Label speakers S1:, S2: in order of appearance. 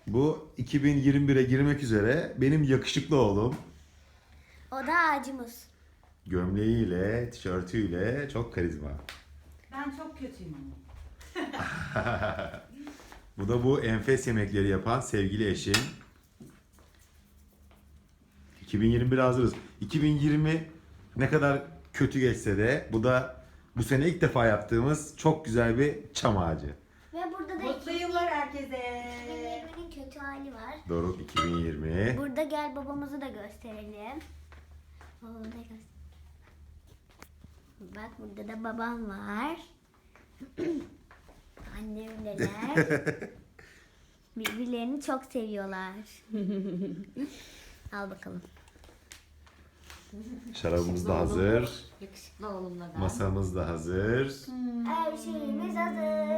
S1: Bu 2021'e girmek üzere benim yakışıklı oğlum.
S2: O da ağacımız.
S1: Gömleğiyle, tişörtüyle çok karizma.
S3: Ben çok kötüyüm ama.
S1: Bu da bu enfes yemekleri yapan sevgili eşim. 2021 hazırız. 2020 ne kadar kötü geçse de bu da bu sene ilk defa yaptığımız çok güzel bir çam ağacı.
S2: Ve burada da
S3: Mutlu yıllar herkese.
S2: 2020'nin kötü hali var.
S1: Doruk 2020.
S2: Burada gel babamızı da gösterelim. Babamı da Bak burada da babam var. Annemler. Birbirlerini çok seviyorlar. Al bakalım.
S1: Şarabımız da hazır.
S4: Yakışıklı oğlumla ben.
S1: Masamız da hazır.
S2: Her şeyimiz hazır.